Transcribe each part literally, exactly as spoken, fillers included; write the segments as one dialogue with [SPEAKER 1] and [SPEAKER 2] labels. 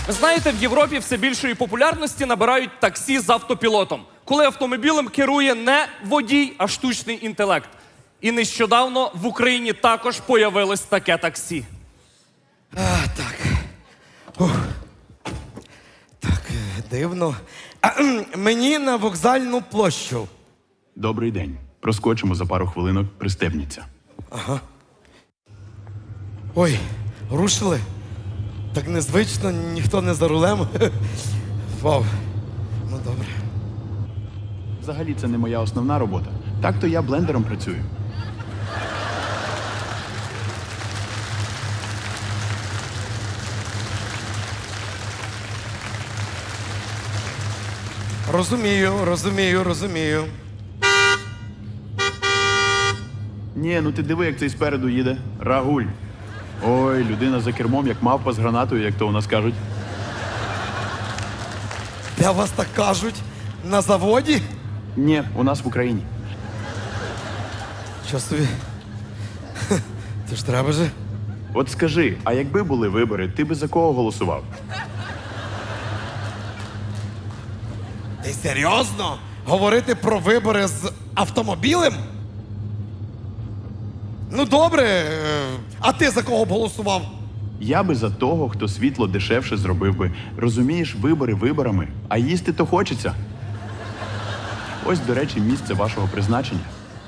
[SPEAKER 1] Ви знаєте, в Європі все більшої популярності набирають таксі з автопілотом, коли автомобілем керує не водій, а штучний інтелект. І нещодавно в Україні також появилось таке таксі.
[SPEAKER 2] А, так. Ух. Так, е, дивно. А, кхм, мені на вокзальну площу.
[SPEAKER 3] Добрий день. Проскочимо за пару хвилинок, пристебніться.
[SPEAKER 2] Ой, рушили? Так незвично, ніхто не за рулем. Вау. Ну, добре.
[SPEAKER 3] Взагалі, це не моя основна робота. Так-то я блендером працюю.
[SPEAKER 2] Розумію, розумію, розумію.
[SPEAKER 3] Ні, ну ти диви, як цей спереду їде. Рагуль. Ой, людина за кермом, як мавпа з гранатою, як то у нас кажуть.
[SPEAKER 2] Де вас так кажуть? На заводі?
[SPEAKER 3] Ні, у нас в Україні.
[SPEAKER 2] Що собі? Хе, Це ж треба же.
[SPEAKER 3] От скажи, а якби були вибори, ти би за кого голосував?
[SPEAKER 2] Ти серйозно? Говорити про вибори з автомобілем? Ну добре, е, а ти за кого б голосував?
[SPEAKER 3] Я би за того, хто світло дешевше зробив би. Розумієш, вибори виборами, а їсти то хочеться. Ось, до речі, місце вашого призначення.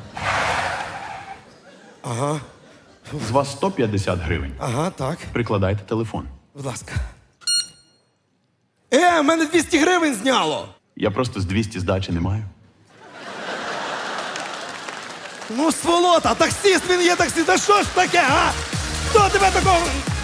[SPEAKER 2] Ага,
[SPEAKER 3] З вас сто п'ятдесят гривень.
[SPEAKER 2] ага, так.
[SPEAKER 3] Прикладайте телефон.
[SPEAKER 2] Будь ласка. Е, мене двісті гривень зняло.
[SPEAKER 3] Я просто з двісті здачі не маю.
[SPEAKER 2] Ну, сволота, таксист він є таксист. Та що ж таке, а? Хто тебе такого?